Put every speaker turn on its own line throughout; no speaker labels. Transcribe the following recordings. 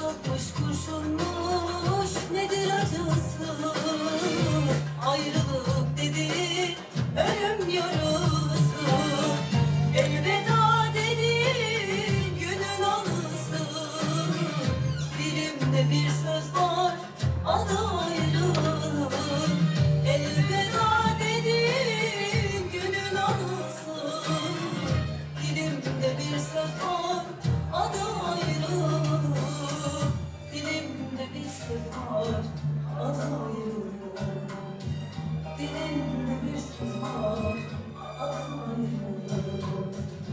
Çakmış kurşunmuş nedir acısı? Ayrılık dedi ölüm yarısı. Elveda dedi günün anısı. Dilimde bir söz var adı ayrılık. Elveda dedi günün anısı. Dilimde bir söz var adı ayrılık. Dilimde bir söz var adı ayrılık. Dilimde bir söz var adı ayrılık.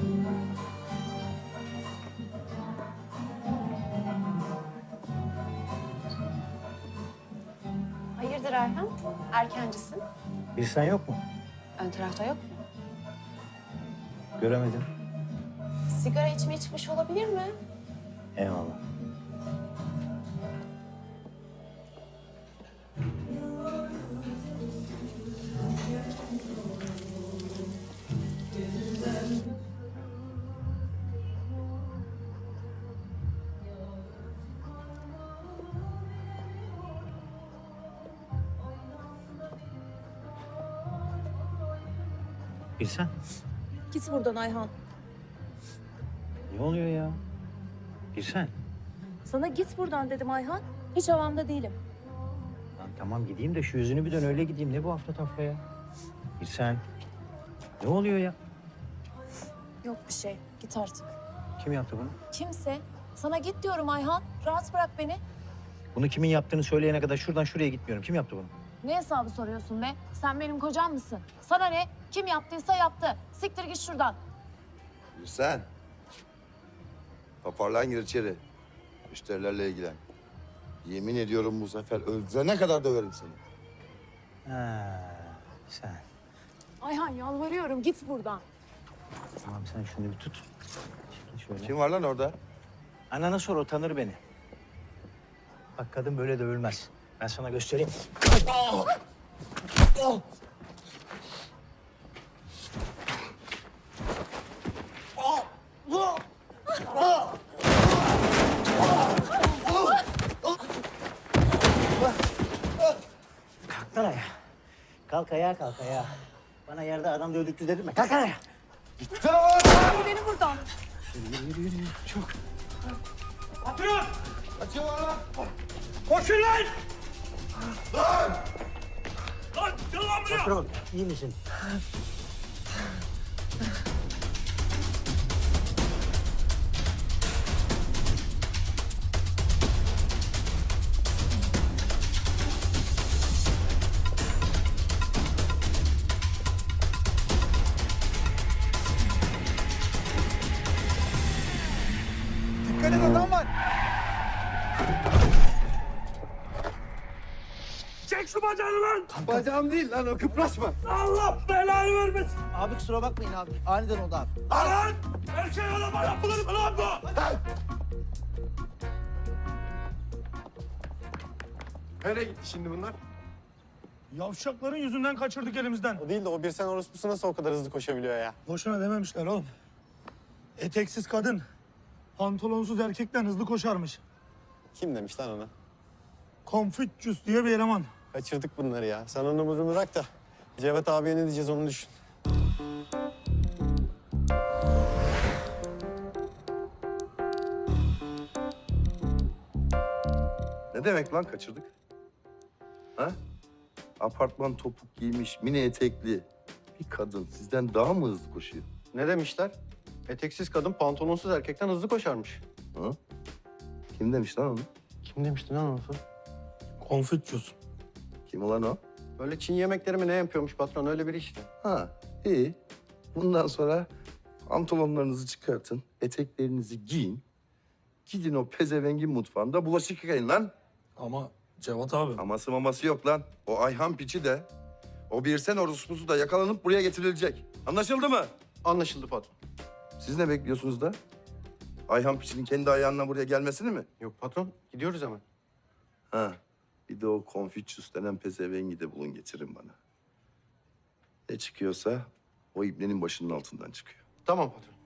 Hayırdır Erhan? Erkencisin.
Birsen yok mu?
Ön tarafta yok mu?
Göremedim.
Sigara içmeye çıkmış olabilir mi?
Eyvallah. Birsen,
Git buradan Ayhan.
ne oluyor ya? Birsen.
Sana git buradan dedim Ayhan. Hiç havamda değilim.
Lan tamam gideyim de şu yüzünü bir dön öyle gideyim. Ne bu hafta tafra ya? Birsen. Ne oluyor ya?
Yok bir şey. Git artık.
Kim yaptı bunu?
Kimse. Sana git diyorum Ayhan. Rahat bırak beni.
Bunu kimin yaptığını söyleyene kadar şuradan şuraya gitmiyorum. Kim yaptı bunu?
Ne hesabı soruyorsun be? Sen benim kocam mısın? Sana ne? Kim yaptıysa yaptı. Siktir git şuradan.
Sen. Toparlan gir içeri. Müşterilerle ilgilen. Yemin ediyorum bu sefer öldürene kadar döverim seni.
Ha, sen.
Ayhan yalvarıyorum git buradan.
Tamam sen şunu bir tut. Şimdi şöyle.
Kim var lan orada?
Anana sor o tanır beni. Bak kadın böyle dövülmez. Ben sana göstereyim. Kalk lan ayağa. Kalk ayağa, kalk ayağa. Bana yerde adam dövdüktü dedirtme. Kalk ayağa.
Hadi beni buradan.
Yürü. Çok.
Patron!
Kaçıyorlar lan!
Koşun lan!
Lan!
Lan gel lan buraya!
Patron, iyi misin?
Dikkat et adam var!
Çek şu bacağını lan!
Bacağım değil lan o kıpraşma.
Allah belanı vermesin!
Abi kusura bakmayın abi. Aniden oldu abi.
Lan! Erkek adama yapılır mı lan bu?
Nereye gitti şimdi bunlar?
Yavşakların yüzünden kaçırdık elimizden.
O değil de o bir sen orospusu nasıl o kadar hızlı koşabiliyor ya?
Boşuna dememişler oğlum. Eteksiz kadın, pantolonsuz erkekten hızlı koşarmış.
Kim demiş lan ona?
Confucius diye bir eleman.
Kaçırdık bunları ya. Sen onu bunu bırak da Cevat abiye ne diyeceğiz onu düşün.
Ne demek lan kaçırdık? Ha? Apartman topuk giymiş, mini etekli bir kadın sizden daha mı hızlı koşuyor?
Ne demişler? Eteksiz kadın pantolonsuz erkekten hızlı koşarmış.
Ha? Kim demiş lan onu?
Kim demişti lan onu?
Confucius.
Kim ulan o?
Böyle Çin yemekleri mi ne yapıyormuş patron öyle biri işte.
Ha, iyi. Bundan sonra pantolonlarınızı çıkartın, eteklerinizi giyin. Gidin o pezevengin mutfağında bulaşık yıkayın lan.
Ama Cevat abi.
Aması maması yok lan. O Ayhan piçi de, o Birsen orospusu da yakalanıp buraya getirilecek. Anlaşıldı mı?
Anlaşıldı patron.
Siz ne bekliyorsunuz da? Ayhan piçinin kendi ayağına buraya gelmesini mi?
Yok patron gidiyoruz hemen.
Ha, bir de o Confucius denen pezevengi de bulun getirin bana. Ne çıkıyorsa o ibnenin başının altından çıkıyor.
Tamam patron.